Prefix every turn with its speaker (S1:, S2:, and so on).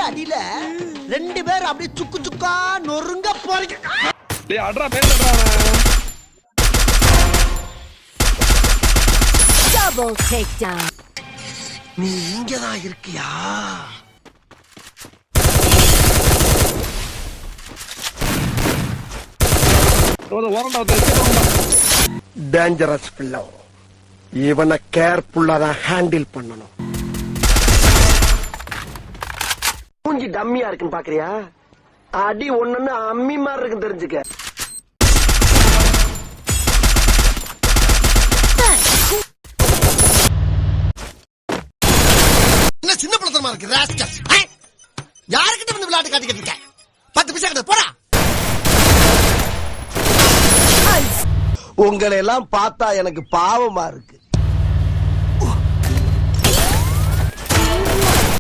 S1: அடியில 2 பேர் அப்படியே சுக்கு சுக்கா நொறுங்க போறீங்க.
S2: டேய் அட்ரா பேசடா.
S3: Double takedown.
S1: நீ இங்கதான் இருக்கியா? டேஞ்சரஸ் பிள்ளை. இவனை கேர்ஃபுல்லா தான் ஹேண்டில் பண்ணணும். மூஞ்சி டம்மியா இருக்குன்னு பாக்குறியா? அடி ஒண்ணுன்னு அம்மி மாதிரி இருக்குன்னு தெரிஞ்சுக்க. என்ன சின்ன பழத்தனமா இருக்கு ராஸ்கல். யாருக்கிட்ட வந்து விளையாட்டு காட்டிக்கிட்டு இருக்க? 10 பைசா கிட்ட போடா. உங்களை எல்லாம் பார்த்தா எனக்கு பாவமா இருக்கு.